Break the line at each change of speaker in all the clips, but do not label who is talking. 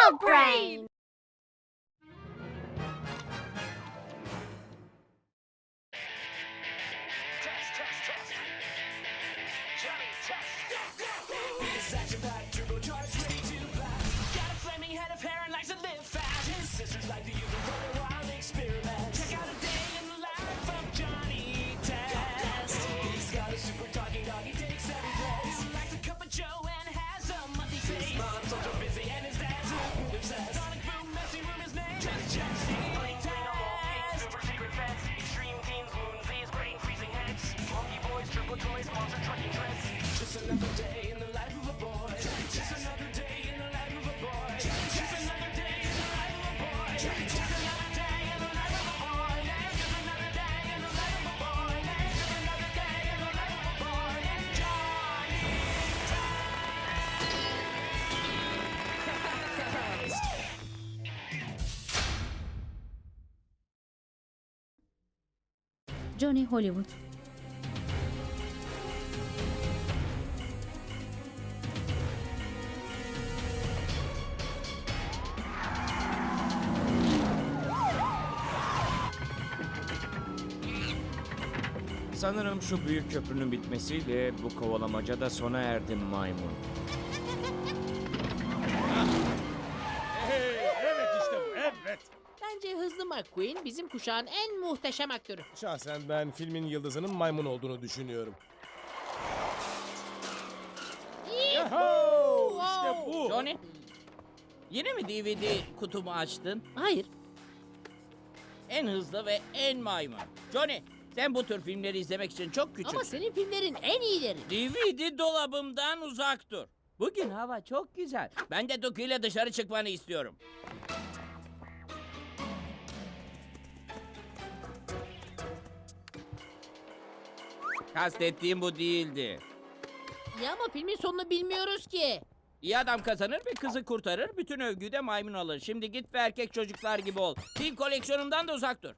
Adult Brain.
Johnny Hollywood.
Sanırım şu büyük köprünün bitmesiyle bu kovalamaca da sona erdi maymun.
Evet işte bu, evet.
Bence Hızlı McQueen bizim kuşağın en muhteşem aktörü.
Şahsen ben filmin yıldızının maymun olduğunu düşünüyorum. Yahoo! İşte bu.
Johnny, yine mi DVD kutumu açtın?
Hayır,
En hızlı ve en maymun. Johnny, sen bu tür filmleri izlemek için çok küçüksün.
ama senin filmlerin en iyileri.
DVD dolabımdan uzak dur. Bugün hava çok güzel. Ben de Duki ile dışarı çıkmanı istiyorum. Kastettiğim bu değildi.
Ya ama filmin sonunu bilmiyoruz ki.
İyi adam kazanır ve kızı kurtarır. Bütün övgüyü de maymun alır. Şimdi git ve erkek çocuklar gibi ol. Film koleksiyonumdan da uzak dur.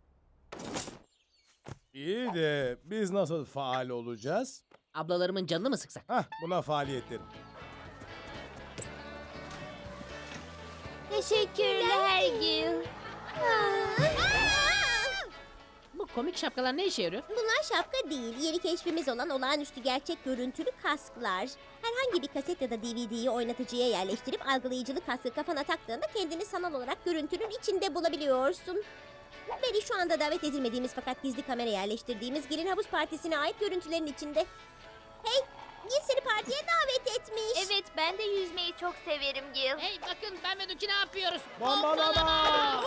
İyi de biz nasıl faal olacağız?
Ablalarımın canını mı sıksak?
Hah, buna faaliyet derim.
Teşekkürler Gil.
Bu komik şapkalar ne işe yarıyor?
Bunlar şapka değil, yeni keşfimiz olan olağanüstü gerçek görüntülü kasklar. Herhangi bir kaset ya da DVD'yi oynatıcıya yerleştirip algılayıcılı kaskı kafana taktığında kendini sanal olarak görüntünün içinde bulabiliyorsun. Beni şu anda davet edilmediğimiz fakat gizli kamera yerleştirdiğimiz Gil'in havuz partisine ait görüntülerin içinde. Hey, Gil seni partiye davet etmiş.
Evet, ben de yüzmeyi çok severim Gil.
Hey bakın ben ve Duki ne yapıyoruz?
Bombalama!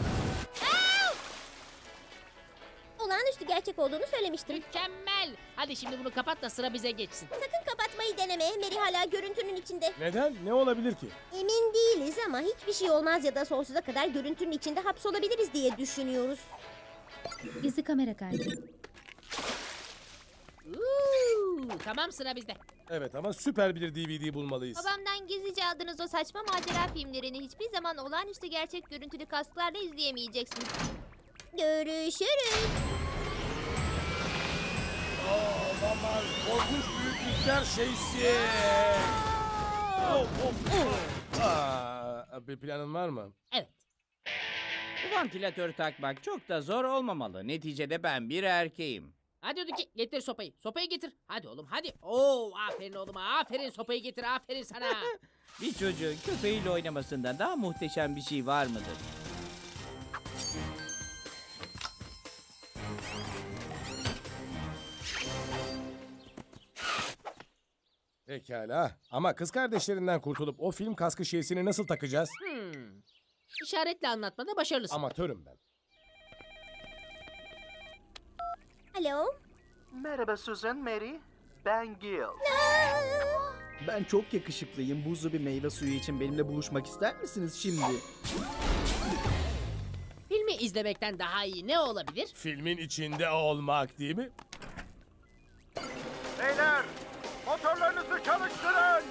Olağanüstü gerçek olduğunu söylemiştim.
Mükemmel. Hadi şimdi bunu kapat da sıra bize geçsin.
Sakın kapatmayı deneme. Mary hala görüntünün içinde.
Neden? Ne olabilir ki?
Emin değiliz ama hiçbir şey olmaz ya da sonsuza kadar görüntünün içinde hapsolabiliriz diye düşünüyoruz.
Gizli kamera kaydı.
Tamam sıra bizde.
Evet ama süper bir DVD bulmalıyız.
Babamdan gizlice aldığınız o saçma macera filmlerini hiçbir zaman olağanüstü gerçek görüntülü kasklarla izleyemeyeceksiniz.
Görüşürüz.
Olamaz. Korkunç büyüklükler şeysi. Bir planın var mı?
Evet.
Bu vantilatörü takmak çok da zor olmamalı. Neticede ben bir erkeğim.
Hadi Duki getir sopayı. Sopayı getir. Hadi oğlum hadi. Oo aferin oğluma. Aferin sopayı getir. Aferin sana.
Bir çocuğun köpeğiyle oynamasından daha muhteşem bir şey var mıdır?
Pekala. Ama kız kardeşlerinden kurtulup o film kaskı şeysini nasıl takacağız?
İşaretle anlatmada başarılısın.
Amatörüm ben.
Alo.
Merhaba Susan, Mary. Ben Gil.
Ben çok yakışıklıyım. Buzlu bir meyve suyu için benimle buluşmak ister misiniz şimdi?
Filmi izlemekten daha iyi ne olabilir?
Filmin içinde olmak değil mi?
Beyler, motorlarınızı çalıştırın.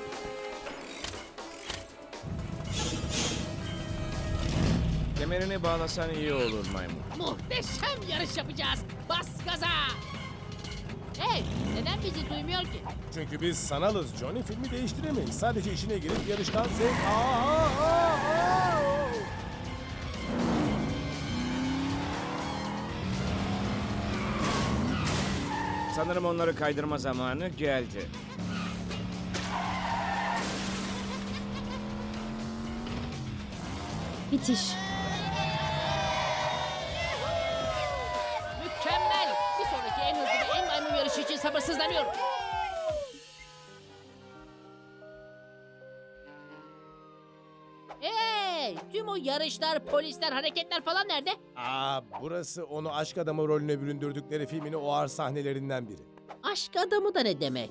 Kemerini bağlasan iyi olur maymun.
Muhteşem yarış yapacağız. Bas gaza. Hey neden bizi duymuyor ki?
Çünkü biz sanalız Johnny, filmi değiştiremeyiz. Sadece işine girip yarıştan zevk... Aa!
Sanırım onları kaydırma zamanı geldi.
Bitiş.
Mükemmel. Bir sonraki en hızlı ve en maymun yarışı için sabırsızlanıyorum. Hey! Tüm o yarışlar, polisler, hareketler falan nerede?
Burası onu aşk adamı rolüne büründürdükleri filmin o ağır sahnelerinden biri.
Aşk adamı da ne demek?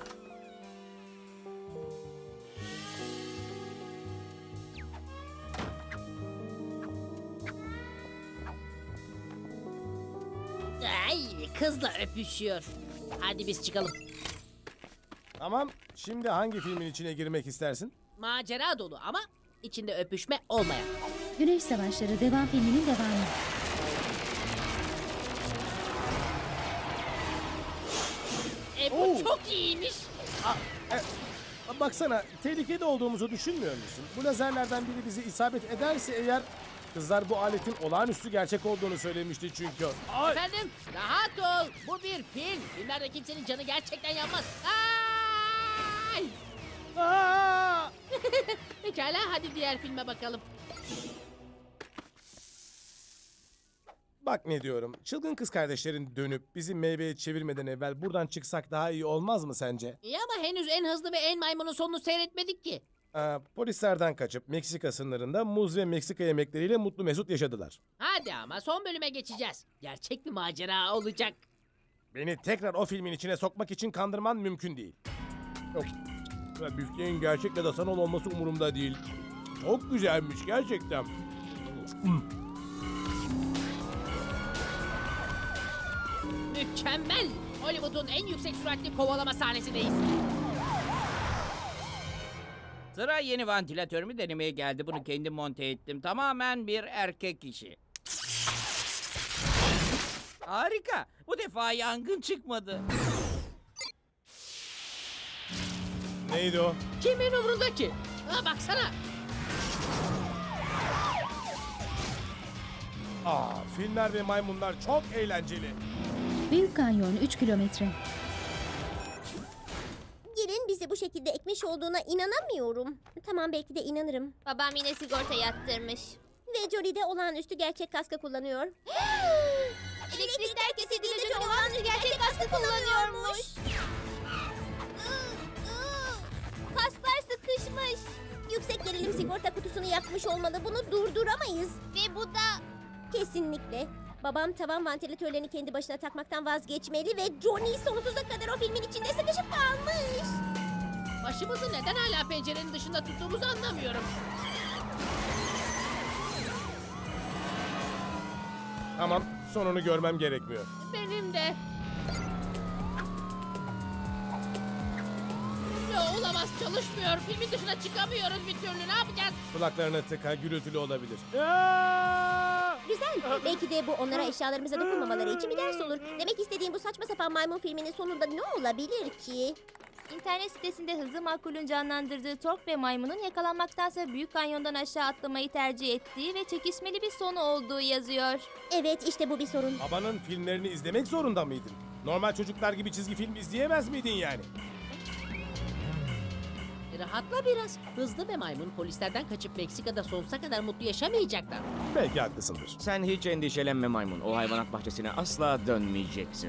Ay, kızla öpüşüyor. Hadi biz çıkalım.
Tamam, şimdi hangi filmin içine girmek istersin?
Macera dolu ama içinde öpüşme olmayan.
Güneş Savaşları devam filminin devamı.
Bu çok iyiymiş.
Baksana, tehlikede olduğumuzu düşünmüyor musun? Bu lazerlerden biri bizi isabet ederse eğer... Kızlar bu aletin olağanüstü gerçek olduğunu söylemişti çünkü.
Efendim, rahat ol. Bu bir film. Filmlerde kimsenin canı gerçekten yanmaz. Ay! Pekala, hadi diğer filme bakalım.
Bak ne diyorum, çılgın kız kardeşlerin dönüp bizi meyveye çevirmeden evvel buradan çıksak daha iyi olmaz mı sence?
İyi ama henüz en hızlı ve en maymunun sonunu seyretmedik ki.
Polislerden kaçıp Meksika sınırında muz ve Meksika yemekleriyle mutlu mesut yaşadılar.
Hadi ama son bölüme geçeceğiz. Gerçek bir macera olacak.
Beni tekrar o filmin içine sokmak için kandırman mümkün değil. Yok. Büfteğin gerçek ya da sanal olması umurumda değil. Çok güzelmiş gerçekten.
Mükemmel. Hollywood'un en yüksek süratli kovalama sahnesindeyiz.
Sıra yeni vantilatörümü denemeye geldi. Bunu kendim monte ettim. Tamamen bir erkek işi. Harika. Bu defa yangın çıkmadı.
Neydi o?
Kimin umrunda ki? Ha, baksana.
Filmler ve maymunlar çok eğlenceli.
Büyük Kanyon 3 kilometre.
Gelin bizi bu şekilde ekmiş olduğuna inanamıyorum. Tamam, belki de inanırım.
Babam yine sigorta yattırmış.
Ve Jolie de olağanüstü gerçek kaskı kullanıyor.
Elektrikler kesildiğinde olağanüstü gerçek kaskı kullanıyormuş.
Kasklar sıkışmış. Yüksek gerilim sigorta kutusunu yakmış olmalı. Bunu durduramayız.
Ve bu da...
Kesinlikle. Babam tavan vantilatörlerini kendi başına takmaktan vazgeçmeli ve Johnny sonsuza kadar o filmin içinde sıkışıp kalmış.
Başımızı neden hala pencerenin dışında tuttuğumuzu anlamıyorum.
Tamam, sonunu görmem gerekmiyor.
Benim de. Ya olamaz, çalışmıyor. Filmin dışına çıkamıyoruz bir türlü. Ne yapacağız?
Kulaklarına tıka, gürültülü olabilir.
Güzel. Belki de bu onlara eşyalarımıza dokunmamaları için bir ders olur. Demek istediğim bu saçma sapan maymun filminin sonunda ne olabilir ki?
İnternet sitesinde hızlı makulün canlandırdığı Tork ve maymunun yakalanmaktansa Büyük Kanyon'dan aşağı atlamayı tercih ettiği ve çekişmeli bir sonu olduğu yazıyor.
Evet, işte bu bir sorun.
Babanın filmlerini izlemek zorunda mıydın? Normal çocuklar gibi çizgi film izleyemez miydin yani?
Rahatla biraz. Hızlı ve maymun polislerden kaçıp Meksika'da sonsuza kadar mutlu yaşamayacaklar.
Belki haklısındır.
Sen hiç endişelenme maymun. O hayvanat bahçesine asla dönmeyeceksin.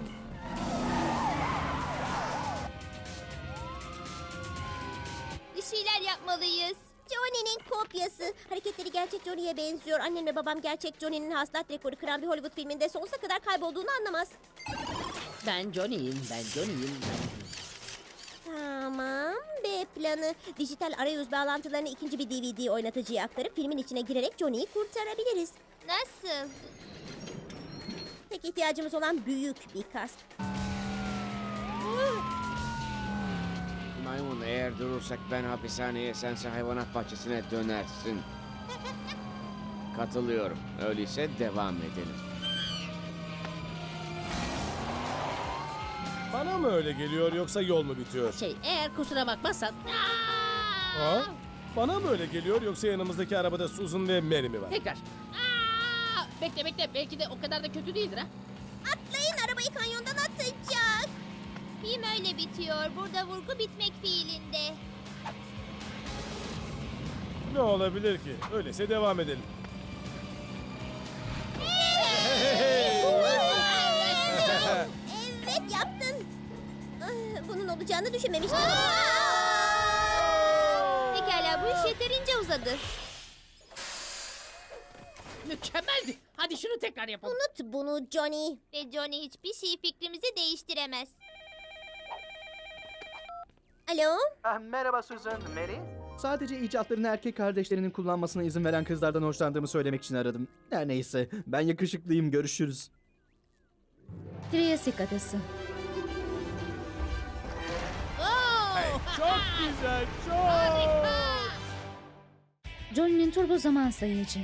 Bir şeyler yapmalıyız.
Johnny'nin kopyası. Hareketleri gerçek Johnny'ye benziyor. Annem ve babam gerçek Johnny'nin hasılat rekoru kıran bir Hollywood filminde sonsuza kadar kaybolduğunu anlamaz.
Ben Johnny'yim.
Tamam. B planı. Dijital arayüz bağlantılarını ikinci bir DVD oynatıcıya aktarıp filmin içine girerek Johnny'yi kurtarabiliriz.
Nasıl?
Tek ihtiyacımız olan büyük bir kask.
Maymun, eğer durursak ben hapishaneye, sense hayvanat bahçesine dönersin. Katılıyorum. Öyleyse devam edelim.
Bana mı öyle geliyor yoksa yol mu bitiyor?
Eğer kusura bakmazsan...
Ha? Bana mı öyle geliyor yoksa yanımızdaki arabada Susan ve Mary mi var?
Tekrar. Bekle. Belki de o kadar da kötü değildir ha.
Atlayın, arabayı kanyondan atacak.
Film öyle bitiyor. Burada vurgu bitmek fiilinde.
Ne olabilir ki? Öyleyse devam edelim.
Evet yaptın. Bunun olacağını düşünmemiştim.
Pekala bu iş yeterince uzadı.
Mükemmeldi. Hadi şunu tekrar yapalım.
Unut bunu Johnny.
Ve Johnny hiçbir şey fikrimizi değiştiremez.
Alo?
Merhaba Susan, Mary.
Sadece icatlarını erkek kardeşlerinin kullanmasına izin veren kızlardan hoşlandığımı söylemek için aradım. Her neyse, ben yakışıklıyım, görüşürüz.
Triassic Adası.
Çok güzel, çok.
Johnny'nin turbo zaman sayıcı.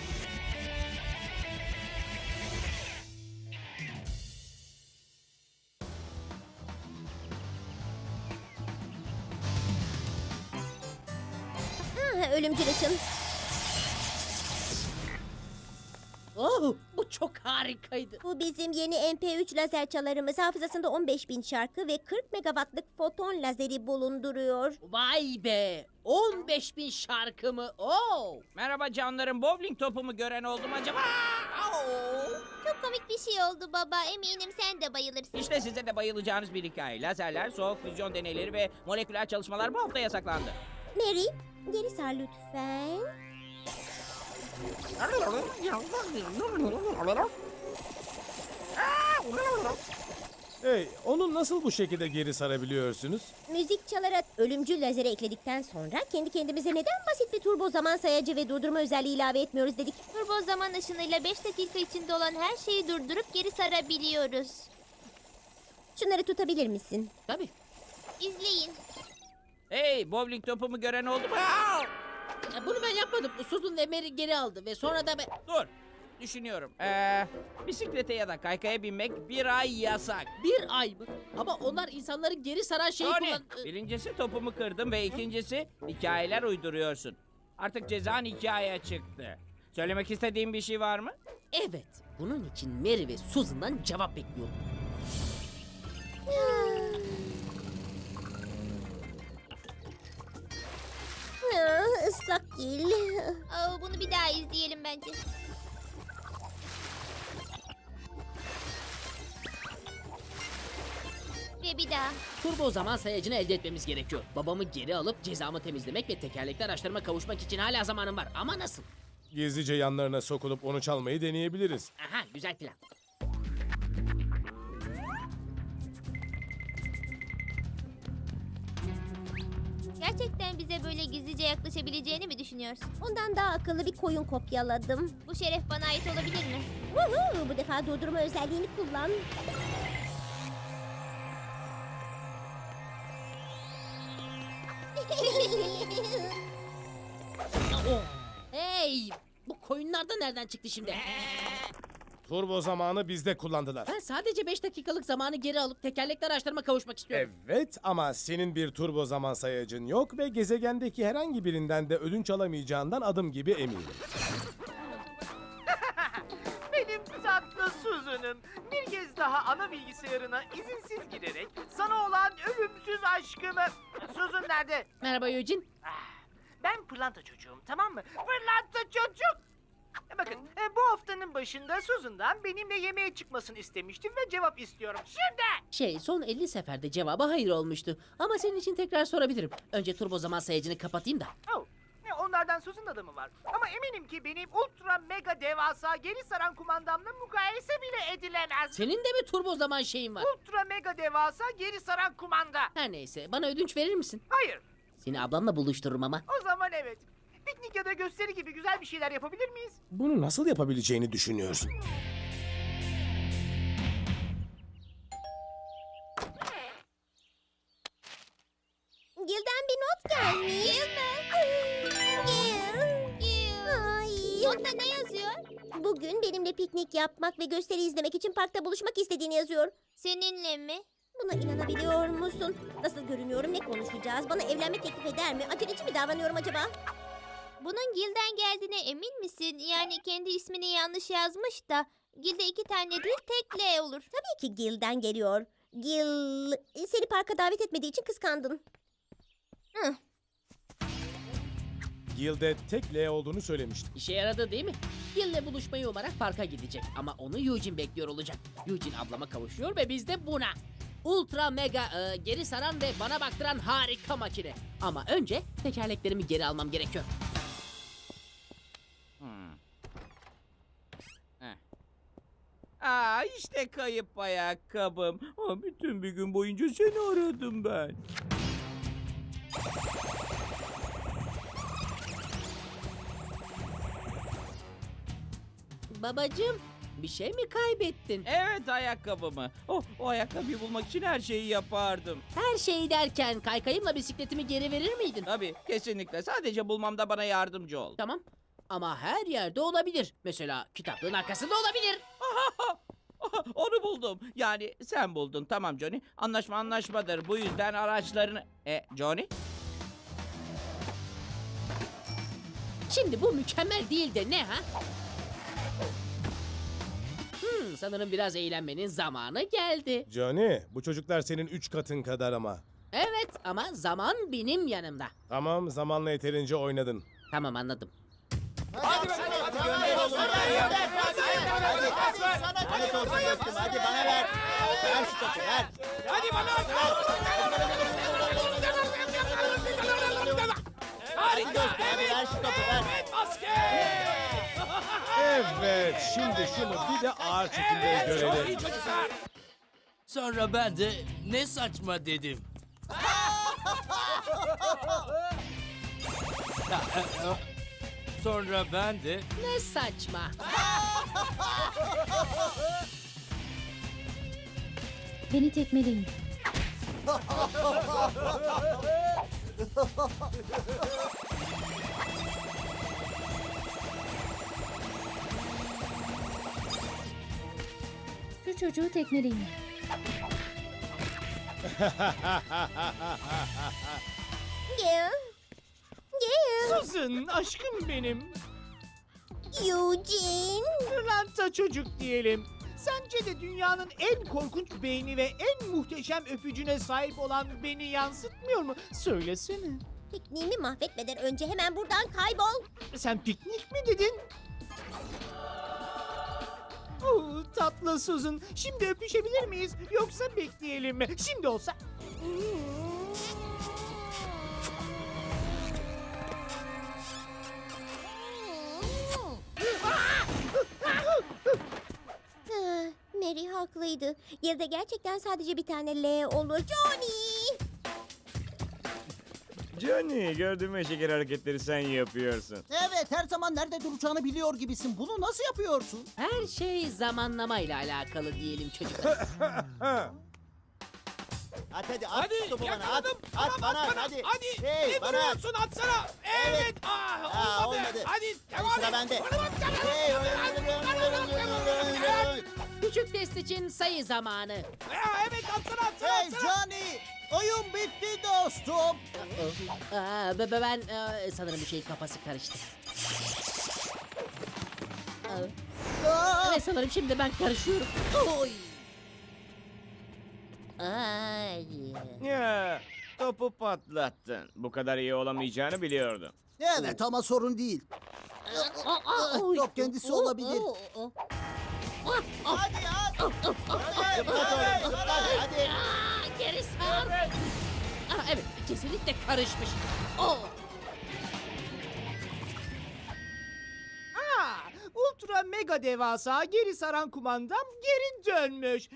Ölümcül ışın.
Oh, bu çok harikaydı.
Bu bizim yeni MP3 lazer çalarımız. Hafızasında 15.000 şarkı ve 40 megawattlık foton lazeri bulunduruyor.
Vay be. 15.000 şarkı mı? Oo.
Merhaba canlarım, bowling topumu gören oldu mu acaba? Au!
Çok komik bir şey oldu baba. Eminim sen de bayılırsın.
İşte size de bayılacağınız bir hikaye. Lazerler, soğuk füzyon deneyleri ve moleküler çalışmalar bu hafta yasaklandı.
Mary, geri sar lütfen.
Hey, onu nasıl bu şekilde geri sarabiliyorsunuz?
Müzik çalarak ölümcül lazeri ekledikten sonra kendi kendimize neden basit bir turbo zaman sayacı ve durdurma özelliği ilave etmiyoruz dedik.
Turbo zaman ışınıyla 5 dakika içinde olan her şeyi durdurup geri sarabiliyoruz.
Şunları tutabilir misin?
Tabii.
İzleyin.
Hey, bowling topumu gören oldu mu? Au!
Bunu ben yapmadım. Susan ve Mary geri aldı ve sonra da ben...
Dur, düşünüyorum. Bisiklete ya da kaykaya binmek bir ay yasak.
Bir ay mı? Ama onlar insanları geri saran şeyi
Tony,
kullan...
birincisi topumu kırdım ve ikincisi hikayeler uyduruyorsun. Artık cezan hikayeye çıktı. Söylemek istediğin bir şey var mı?
Evet. Bunun için Mary ve Susan'dan cevap bekliyorum.
Islak gil.
Bunu bir daha izleyelim bence. Ve bir daha.
Turbo zaman sayacını elde etmemiz gerekiyor. Babamı geri alıp cezamı temizlemek ve tekerlekli araçlarıma kavuşmak için hala zamanım var. Ama nasıl?
Gizlice yanlarına sokulup onu çalmayı deneyebiliriz.
Aha, güzel plan.
Gerçekten bize böyle gizlice yaklaşabileceğini mi düşünüyorsun?
Ondan daha akıllı bir koyun kopyaladım.
Bu şeref bana ait olabilir mi?
Woohoo! Bu defa durdurma özelliğini kullan.
Hey! Bu koyunlar da nereden çıktı şimdi?
Turbo zamanı bizde kullandılar.
Ben sadece 5 dakikalık zamanı geri alıp tekerlekli araçlarıma kavuşmak istiyorum.
Evet ama senin bir turbo zaman sayacın yok ve gezegendeki herhangi birinden de ödünç alamayacağından adım gibi eminim.
Benim tatlı Susan'ım. Bir kez daha ana bilgisayarına izinsiz girerek sana olan ölümsüz aşkımı... Susan nerede?
Merhaba Eugene.
Ben pırlanta çocuğum, tamam mı? Pırlanta çocuk! Bakın, bu haftanın başında Susan'dan benimle yemeğe çıkmasını istemiştim ve cevap istiyorum. Şimdi!
Son 50 seferde cevabı hayır olmuştu. Ama senin için tekrar sorabilirim. Önce turbo zaman sayacını kapatayım da.
Oh, onlardan Susan adamı var. Ama eminim ki benim ultra mega devasa geri saran kumandamla mukayese bile edilemez.
Senin de mi turbo zaman şeyin var?
Ultra mega devasa geri saran kumanda.
Her neyse, bana ödünç verir misin?
Hayır,
Seni ablamla buluştururum ama.
o zaman evet. Piknik ya da gösteri gibi güzel bir şeyler yapabilir miyiz?
Bunu nasıl yapabileceğini düşünüyorsun?
Gil'den bir not gelmiş. Gil mi? Gil. Ay.
Notta ne yazıyor?
Bugün benimle piknik yapmak ve gösteri izlemek için parkta buluşmak istediğini yazıyor.
Seninle mi?
Buna inanabiliyor musun? Nasıl görünüyorum, ne konuşacağız? Bana evlenme teklif eder mi? Aceleci mi davranıyorum acaba?
Bunun Gil'den geldiğine emin misin? Yani kendi ismini yanlış yazmış da Gil'de 2 tane değil tek L olur.
Tabii ki Gil'den geliyor. Gil, seni parka davet etmediği için kıskandın.
Gil'de tek L olduğunu söylemiştim.
İşe yaradı değil mi? Gil'le buluşmayı umarak parka gidecek. Ama onu Eugene bekliyor olacak. Eugene ablama kavuşuyor ve biz de buna. Ultra mega geri saran ve bana baktıran harika makine. Ama önce tekerleklerimi geri almam gerekiyor.
İşte kayıp ayakkabım. Bütün bir gün boyunca seni aradım ben.
Babacığım, bir şey mi kaybettin?
Evet, ayakkabımı. O ayakkabıyı bulmak için her şeyi yapardım.
Her şey derken kaykayımla bisikletimi geri verir miydin?
Tabii, kesinlikle. Sadece bulmamda bana yardımcı ol.
Tamam. Ama her yerde olabilir. Mesela kitaplığın arkasında olabilir.
Onu buldum. Yani sen buldun. Tamam Johnny. Anlaşma anlaşmadır. Bu yüzden araçlarını... Johnny?
Şimdi bu mükemmel değil de ne ha? Sanırım biraz eğlenmenin zamanı geldi.
Johnny, bu çocuklar senin 3 katın kadar ama.
Evet ama zaman benim yanımda.
Tamam, zamanla yeterince oynadın.
Tamam anladım.
Hadi bana ver. Ver şu topu ver.
Hadi bana!
Harika. Hadi ver şu topu ver.
Evet, şimdi şunu bir de ağır çekimde görelim.
Sonra ben de ne saçma dedim. Sonra ben de
Ne saçma.
Beni tekmeleyin. Şu çocuğu tekmeleyin.
Gil. Gil.
Susan, aşkım benim.
Eugene.
Pırlanta çocuk diyelim. Sence de dünyanın en korkunç beyni ve en muhteşem öpücüne sahip olan beni yansıtmıyor mu? Söylesene.
Pikniğimi mahvetmeden önce hemen buradan kaybol.
Sen piknik mi dedin? Tatlı Susan. Şimdi öpüşebilir miyiz? Yoksa bekleyelim mi? Şimdi olsa...
Mary haklıydı. Yılda gerçekten sadece bir tane L olur. Johnny!
Johnny, gördüğüm şeker hareketleri sen yapıyorsun.
Evet, her zaman nerede duracağını biliyor gibisin. Bunu nasıl yapıyorsun?
Her şey zamanlamayla alakalı diyelim çocuklar.
Hadi at şu topu bana at. At bana hadi. Hey bana at.
Atsana.
Evet. Olmadı. Hadi sıra bende. Hey.
Küçük test için sayı zamanı.
Evet, atsana.
Hey Johnny. Oyun bitti dostum.
Ben sanırım bir şeyin kafası karıştı. Evet sanırım şimdi ben karışıyorum. Oy. Ay.
Ya, topu patlattın. Bu kadar iyi olamayacağını biliyordum.
Evet ama sorun değil. Top kendisi olabilir. Hadi at. Hadi.
Geri sar. Evet kesinlikle karışmış.
Ultra mega devasa geri saran kumandam geri dönmüş.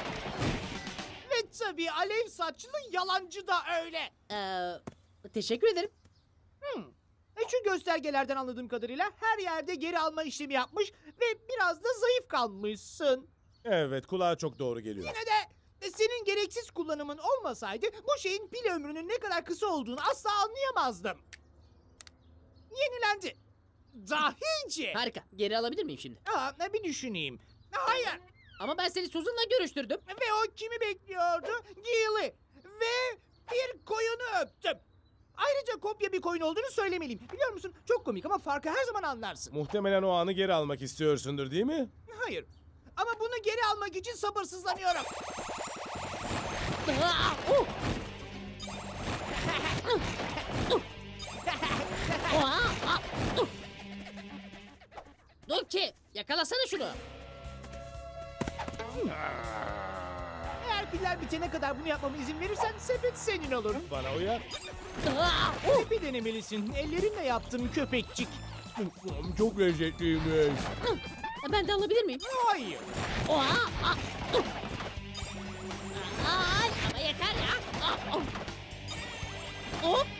Ve tabii alev saçlı yalancı da öyle.
Teşekkür ederim.
Şu göstergelerden anladığım kadarıyla her yerde geri alma işlemi yapmış ve biraz da zayıf kalmışsın.
Evet, kulağa çok doğru geliyor.
Yine de senin gereksiz kullanımın olmasaydı bu şeyin pil ömrünün ne kadar kısa olduğunu asla anlayamazdım. Yenilendi. Dahice.
Harika. Geri alabilir miyim şimdi?
Bir düşüneyim. Hayır.
Ama ben seni Susan'la görüştürdüm.
Ve o kimi bekliyordu? Gil'i. Ve bir koyunu öptüm. Ayrıca kopya bir koyun olduğunu söylemeliyim. Biliyor musun? Çok komik ama farkı her zaman anlarsın.
Muhtemelen o anı geri almak istiyorsundur, değil mi?
Hayır. Ama bunu geri almak için sabırsızlanıyorum.
Donkey, yakalasana şunu.
Eğer piller bitene kadar bunu yapmama izin verirsen sepet senin olur.
Bana uyar.
Bir denemelisin. Ellerimle yaptım köpekçik.
Çok lezzetliymiş.
Ben de alabilir miyim?
Hayır.
Ay, ama yeter ya. Hop.